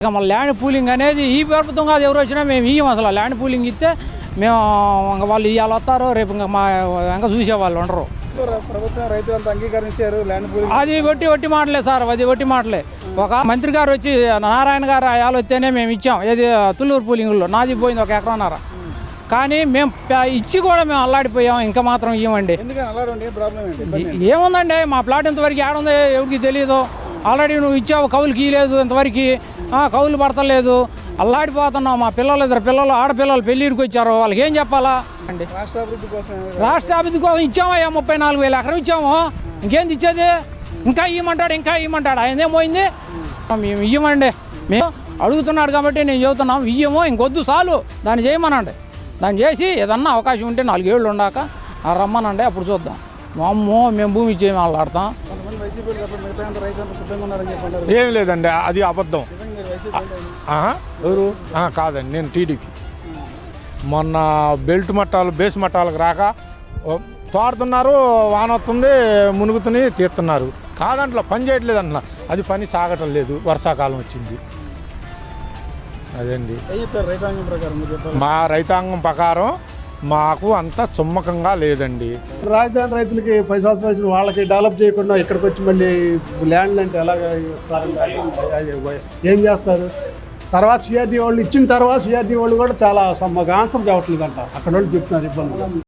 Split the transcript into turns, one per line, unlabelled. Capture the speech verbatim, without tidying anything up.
ఇక మన land pooling అనేది ఈ ప్రభుత్వం కాదు, ఎవరు వచ్చినా మేము ఇయ్యం. అసలు ల్యాండ్ పూలింగ్ ఇస్తే మేము ఇంకా వాళ్ళు ఇవాళ వస్తారు, రేపు ఇంకా మా ఇంకా చూసే వాళ్ళు ఉండరు.
ప్రభుత్వం రైతులంతా అంగీకరించారు ల్యాండ్ పూలింగ్.
అది ఒట్టి ఒట్టి మాటలే సార్, అది ఒట్టి మాటలే. ఒక మంత్రి గారు వచ్చి నారాయణ గారు ఆయాలు వస్తేనే మేము ఇచ్చాం. ఏది తుళ్ళూరు పూలింగ్లో నాది పోయింది ఒక ఎకరన్నర. కానీ మేము ఇచ్చి కూడా మేము అల్లాడిపోయాం, ఇంకా మాత్రం ఇవ్వండి. ఏముందండి, మా ప్లాట్ ఇంతవరకు ఏడుందో ఎవరికి తెలియదు. ఆల్రెడీ నువ్వు ఇచ్చావు, కౌలుకి ఇవ్వలేదు ఇంతవరకు, కౌలు పడతలేదు, అల్లాడిపోతున్నావు. మా పిల్లలు ఇద్దరు పిల్లలు ఆడపిల్లలు పెళ్ళిడికి వచ్చారు, వాళ్ళకి ఏం చెప్పాలా అండి? రాష్ట్ర అభివృద్ధి కోసం ఇచ్చామయ్యా, ముప్పై నాలుగు వేల ఎకరం ఇచ్చాము. ఇంకేంది ఇచ్చేది? ఇంకా ఇవ్వమంటాడు, ఇంకా ఇవ్వమంటాడు. ఆయన ఏమోయింది, మేము ఇవ్వమండి. మేము అడుగుతున్నాడు కాబట్టి నేను చెబుతున్నాం, ఇయ్యమో ఇంకొద్దు చాలు, దాన్ని చేయమనండి. దాన్ని చేసి ఏదన్నా అవకాశం ఉంటే నాలుగేళ్ళు ఉండాక రమ్మనండి, అప్పుడు చూద్దాం. మా అమ్మో మేము భూమి ఇచ్చేమి ఆడతాం.
ఏం లేదండి, అది అబద్ధం. ఎవరు కాదండి, నేను టీడీపీ. మొన్న బెల్ట్ మట్టాలు బేస్ మట్టాలకు రాక తోడుతున్నారు, వాన వస్తుంది, మునుగుతుని తీస్తున్నారు. కాదంట్లో పని చేయట్లేదు అంటున్నా, అది పని సాగటం లేదు. వర్షాకాలం వచ్చింది అదండి. మా రైతాంగం ప్రకారం మాకు అంత చుమ్మకంగా లేదండి.
రాజధాని రైతులకి పది సంవత్సరాలు వచ్చిన వాళ్ళకి డెవలప్ చేయకుండా ఇక్కడికి వచ్చి మళ్ళీ ల్యాండ్ అంటే ఎలాగ ఏం చేస్తారు? తర్వాత సిఆర్డీ వాళ్ళు ఇచ్చిన తర్వాత సిఆర్డీ వాళ్ళు కూడా చాలా మాకు ఆన్సర్ చెప్పట్లేదంట, అక్కడ వాళ్ళు చెప్తున్నారు ఇబ్బంది.